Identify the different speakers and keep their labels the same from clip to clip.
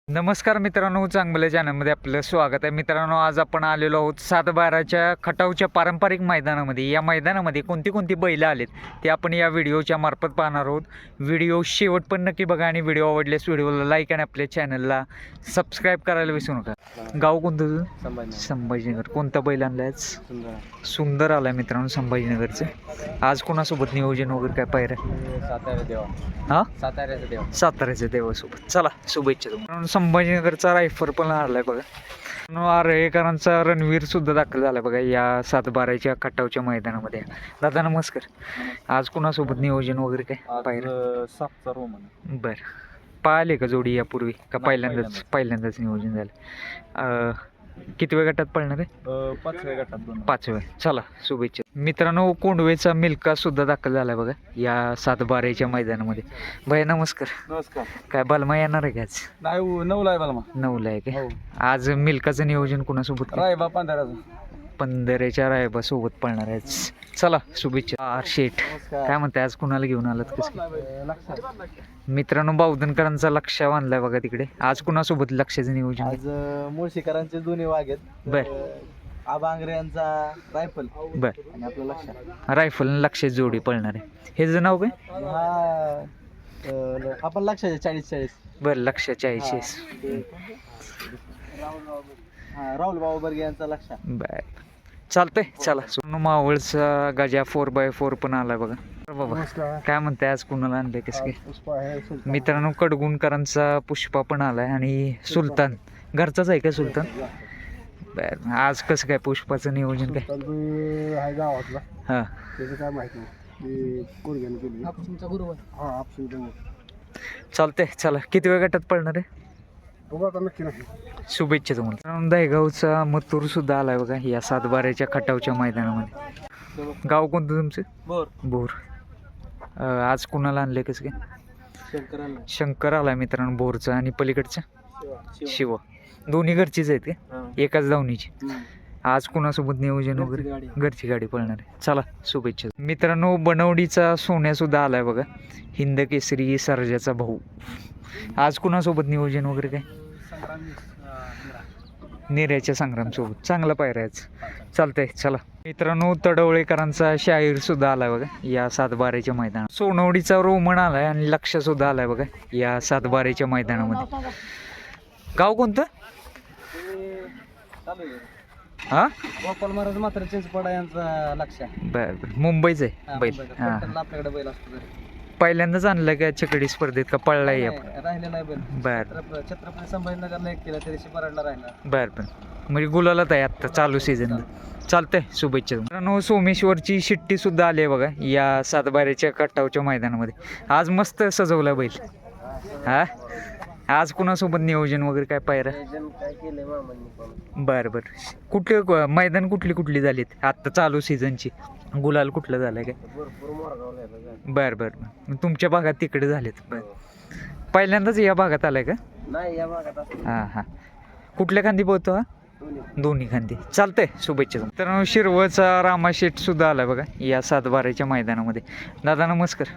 Speaker 1: नमस्कार मित्रांनो, चांगल्या चॅनलमध्ये आपलं स्वागत आहे. मित्रांनो, आज आपण आलेलो आहोत सातबाराच्या खटावच्या पारंपरिक मैदानामध्ये. या मैदानामध्ये कोणती कोणती बैल आलेत ते आपण या व्हिडिओच्या मार्फत पाहणार आहोत. व्हिडिओ शेवट पण नक्की बघा आणि व्हिडिओ आवडल्यास व्हिडिओला लाईक आणि आपल्या चॅनलला सबस्क्राईब करायला विसरू नका. गाव कोणतं तुझं? संभाजीनगर. कोणता बैल आणलाय? सुंदर आलाय मित्रांनो संभाजीनगरचं. आज कोणासोबत नियोजन वगैरे काय पाहिजे? हां, साताऱ्याच्या देवासोबत. चला, शुभेच्छा तुम्हाला. संभाजीनगरचा रायफर पण आलाय बघा. आरेकरांचा रणवीर सुद्धा दाखल झाला बघा या सातबाराच्या खटावच्या मैदानामध्ये. दादा नमस्कार. आज कुणासोबत नियोजन वगैरे काय पाहिजे? बर, पाहिले का जोडी यापूर्वी का पहिल्यांदाच नियोजन झालं? किती वेळ गटात पळणार आहे?
Speaker 2: 5व्या गटात.
Speaker 1: 5व्या. चला, शुभेच्छा मित्रांनो. कोंडवेचा मिल्का सुद्धा दाखल झालाय बघा या सातबाराच्या मैदानामध्ये. भैया नमस्कार.
Speaker 2: नमस्कार.
Speaker 1: काय बलमा येणार आहे का आज?
Speaker 2: नाही, 9ला आहे मला.
Speaker 1: 9ला आहे का? आज मिल्काचं नियोजन कुणासोबत?
Speaker 2: रायबा पंधराचं.
Speaker 1: पंधरेच्या रायबा सोबत पळणार आहे. चला, शुभेच्छा. शेठ काय म्हणताय, आज कुणाला घेऊन आलात? कसं मित्रांनो, बावधनकरांचा लक्ष बांधलाय बघा तिकडे. आज कुणासोबत लक्षाचं नियोजन?
Speaker 2: आज मुळशीकरांचे दोन्ही वाघ आहेत.
Speaker 1: बर.
Speaker 2: आबांगरे यांचा रायफल.
Speaker 1: बर.
Speaker 2: आणि आपलं लक्ष
Speaker 1: रायफल लक्ष जोडी पळणार आहे. हे जर नाव काय?
Speaker 2: हा, आपण लक्षाचे 40-40.
Speaker 1: बरं, लक्ष 40.
Speaker 2: राहुल बाबा बर्गे यांचा लक्ष.
Speaker 1: बर, चालतंय. चला, सोनू मावळचा गजा 4x4 पण आलाय बघा. बाबा काय म्हणताय, आज कुणाला आणलंय? कसं काय मित्रांनो? कडगुणकरांचा पुष्पा पण आलाय आणि सुलतान घरचाच आहे का सुलतान? बर, आज कसं काय पुष्पाचं नियोजन काय?
Speaker 2: गावातला.
Speaker 1: हां,
Speaker 2: त्याचं काय माहिती नाही.
Speaker 1: चालतंय. चला, किती वेळ गटात पडणार आहे?
Speaker 2: नक्की नाही.
Speaker 1: शुभेच्छा तुम्हाला. दहेगावचा मथुर सुद्धा आलाय बघा या सातबाऱ्याच्या खटावच्या मैदानामध्ये. गाव कोणतं तुमचं? बोर. आज कुणाला आणलंय? कसं काय? शंकर आलाय मित्रांनो बोरचा. आणि पलीकडचं शिव. दोन्ही घरचीच आहेत का? एकाच धावणीची. आज कुणासोबत नियोजन वगैरे? घरची गाडी पळणार आहे. चला, शुभेच्छा मित्रांनो. बनवडीचा सोन्या सुद्धा आलाय बघा. हिंद केसरी सर्जाचा भाऊ. आज कुणासोबत नियोजन वगैरे काय? नेऱ्याच्या संग्रामसोबत. चांगला पायऱ्याच. चालतंय. चला मित्रांनो, तडवळेकरांचा शाहीर सुद्धा आलाय बघा या सातबाऱ्याच्या मैदानात. सोनवडीचा रोमन आलाय आणि लक्ष सुद्धा आलाय बघा या सातबाऱ्याच्या मैदानामध्ये. गाव कोणतं? हा,
Speaker 2: गोपाल महाराज मात्र चिंचपडा यांचा लक्ष.
Speaker 1: बर, मुंबईच आहे बैल. हा,
Speaker 2: आपल्याकडे बैल असतो.
Speaker 1: पहिल्यांदाच आणलं का चकडी स्पर्धेत का पळलाय?
Speaker 2: राहिलेला बैल.
Speaker 1: बर.
Speaker 2: छत्रपती संभाजीनगरला एक केला, तरी शिपराडला राहिला.
Speaker 1: बर. म्हणजे गुलालात आहे आत्ता चालू सीझन. चालतंय, शुभेच्छा मित्रांनो. सोमेश्वरची शिट्टी सुद्धा आली आहे बघा या सातबाऱ्याच्या कट्टावच्या मैदानामध्ये. आज मस्त सजवला बैल. हा, आज कुणासोबत नियोजन वगैरे काय पायरा? बरं बरं. कुठले मैदान कुठली झालीत आत्ता चालू सीझनची? गुलाल कुठलं झालंय काय? बरं बरं. तुमच्या भागात तिकडे झालेत? बरं. पहिल्यांदाच या भागात आलाय का?
Speaker 2: नाही, या भागात.
Speaker 1: हां हां. कुठल्या खांदी पोहतो हा? दोन्ही खांदी. चालतंय, शुभेच्छा. तर शिरवळचा रामाशेठ सुद्धा आलाय बघा या सातबाऱ्याच्या मैदानामध्ये. दादा नमस्कार.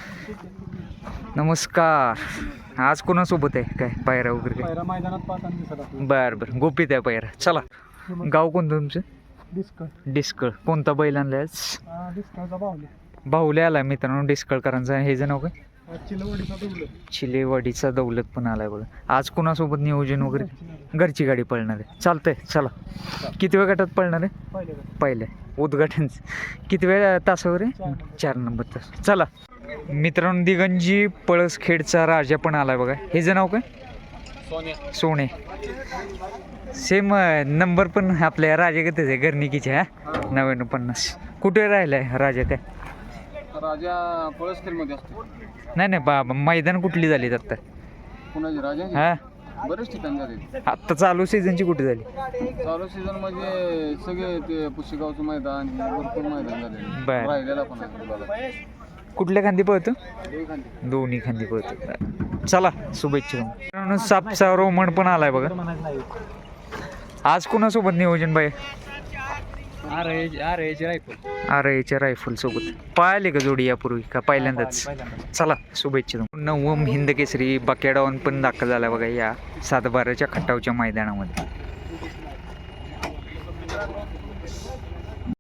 Speaker 1: नमस्कार. आज कोणासोबत आहे काय पायरा वगैरे काय?
Speaker 2: मैदानात
Speaker 1: बरं बरं. गोपीत आहे पायरा. चला, गाव कोणतं तुमचं? डिस्कळ. कोणता बैल आणलाय आज? बाहुले आलाय मित्रांनो डिस्कळकरांचा. हे जे नाव काय? चिलेवाडीचा दौलत पण आलाय बघा. आज कोणासोबत नियोजन वगैरे? घरची गाडी पळणार आहे. चालतंय. चला, किती वेळ गटात पळणार आहे? पहिल्या उद्घाटन. किती वेळ तासावर आहे? 4 नंबर तास. चला मित्रांनो, दिगंजी पळसखेडचा राजा पण आलाय बघा. हे जे नाव काय? सोने. सेम नंबर पण आपल्या राजागतच आहे, घरनिकीचे. हा, 9950. कुठे राहिलाय राजा? काय
Speaker 2: राजा पळसखेडमध्ये असतो.
Speaker 1: नाही, मैदान कुठली झाली आत्ता?
Speaker 2: कुणाची राजा?
Speaker 1: हा,
Speaker 2: बरेच ठिकाणी झाले.
Speaker 1: आत्ता चालू सीझनची कुठे झाली?
Speaker 2: चालू सीझन म्हणजे सगळे ते पुशेगावचं मैदान, भरपूर मैदान झाले.
Speaker 1: बर.
Speaker 2: राहिलेला पण आहे.
Speaker 1: कुठल्या खांदी पळतो? दोन्ही खांदी पळतो. चला, शुभेच्छा. सापचा रोमन पण आलाय बघा. आज कोणासोबत नियोजन बाई?
Speaker 2: R H rifle.
Speaker 1: आर एच्या रायफल सोबत पळाली का जोडी यापूर्वी का पहिल्यांदाच? चला शुभेच्छा. नवम हिंद केसरी बकेडावन पण दाखल झाला बघा या 7-12च्या खटावच्या मैदानामध्ये.